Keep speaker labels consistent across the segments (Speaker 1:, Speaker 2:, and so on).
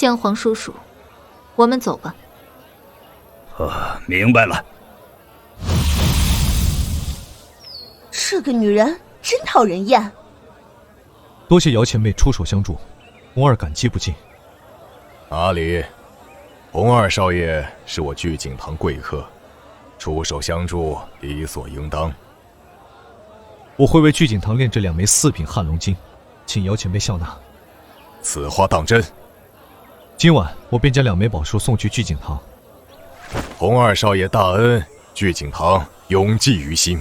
Speaker 1: 姜黄叔叔，我们走吧。
Speaker 2: 明白了。
Speaker 3: 这个女人真讨人厌。
Speaker 4: 多谢姚前辈出手相助，红儿感激不尽。
Speaker 5: 哪里，红二少爷是我聚景堂贵客，出手相助理所应当。
Speaker 4: 我会为聚景堂炼这2枚4品撼龙经，请姚前辈笑纳。
Speaker 5: 此话当真？
Speaker 4: 今晚我便将2枚宝书送去聚景堂。
Speaker 5: 红二少爷大恩，聚景堂永记于心。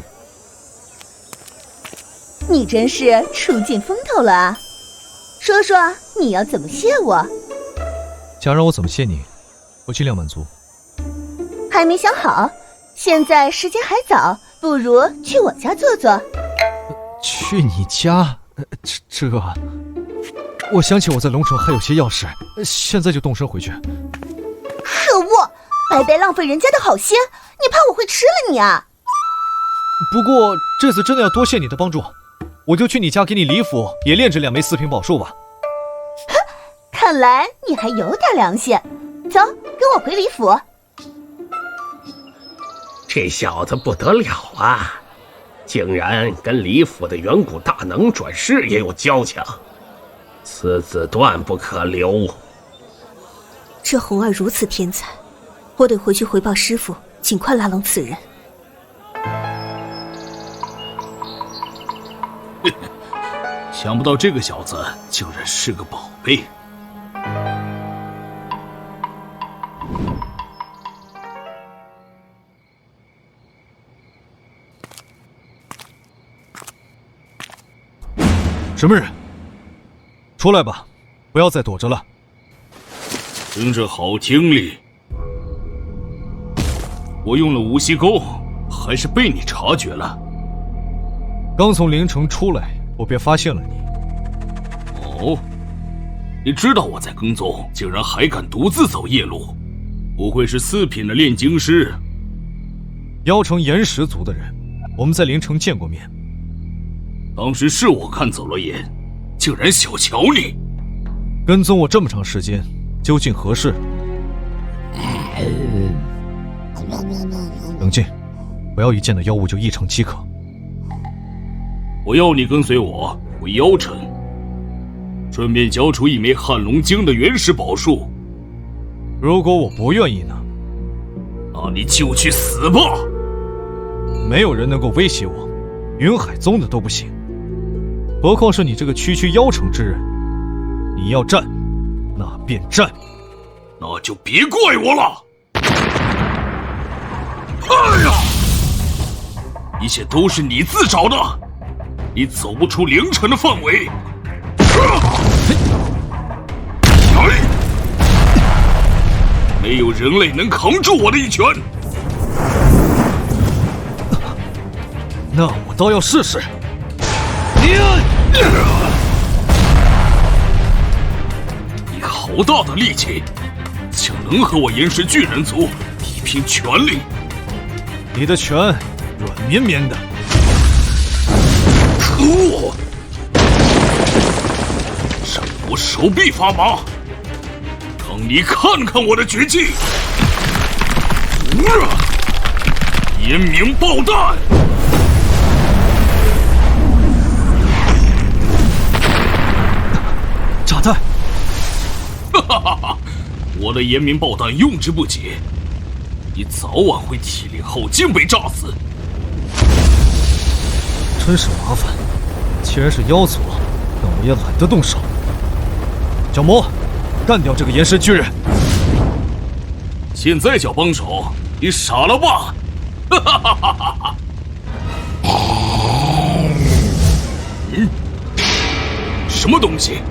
Speaker 3: 你真是出尽风头了啊！说说你要怎么谢我？
Speaker 4: 想让我怎么谢你，我尽量满足。
Speaker 3: 还没想好，现在时间还早，不如去我家坐坐。
Speaker 4: 去你家？这……我想起我在龙城还有些要事，现在就动身回去。
Speaker 3: 可恶，白白浪费人家的好心，你怕我会吃了你啊？
Speaker 4: 不过这次真的要多谢你的帮助，我就去你家给你李府也炼这2枚4品宝术吧。
Speaker 3: 看来你还有点良心，走，跟我回李府。
Speaker 6: 这小子不得了啊，竟然跟李府的远古大能转世也有交情，此子断不可留。
Speaker 7: 这红儿如此天才，我得回去回报师父，尽快拉拢此人。
Speaker 2: 想不到这个小子竟然是个宝贝。
Speaker 4: 什么人？出来吧，不要再躲着了。
Speaker 2: 听着好听力，我用了无锡钩，还是被你察觉了。
Speaker 4: 刚从灵城出来，我便发现了你。
Speaker 2: 哦，你知道我在跟踪，竟然还敢独自走夜路，不会是4品的炼精师？
Speaker 4: 妖城岩石族的人，我们在灵城见过面。
Speaker 2: 当时是我看走了眼，竟然小瞧你。
Speaker 4: 跟踪我这么长时间，究竟何事？冷静，不要一见到妖物就异常饥渴。
Speaker 2: 我要你跟随我回妖城，顺便交出1枚撼龙经的原始宝术。
Speaker 4: 如果我不愿意呢？
Speaker 2: 那你就去死吧！
Speaker 4: 没有人能够威胁我，云海宗的都不行，何况是你这个区区妖城之人。你要战，那便战。
Speaker 2: 那就别怪我了。哎呀！一切都是你自找的，你走不出灵城的范围。没有人类能扛住我的一拳。
Speaker 4: 那我倒要试试。
Speaker 2: 你好大的力气，竟能和我岩石巨人族比拼全力？
Speaker 4: 你的拳软绵绵的。
Speaker 2: 可恶！让我手臂发麻，让你看看我的绝技！延明爆弹！
Speaker 4: 炸弹！
Speaker 2: 哈哈哈哈！我的延明爆弹用之不竭，你早晚会体力耗尽被炸死。
Speaker 4: 真是麻烦，既然是妖族，那我也懒得动手。小魔，干掉这个岩石巨人！
Speaker 2: 现在叫帮手，你傻了吧？哈哈哈哈哈哈！什么东西？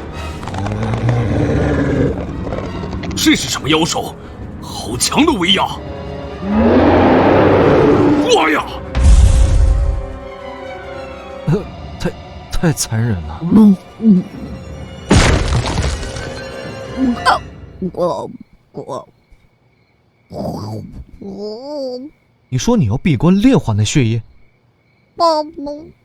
Speaker 2: 这是什么妖兽？好强的威压！哇呀！
Speaker 4: 太残忍了。你说你要闭关炼化那血液？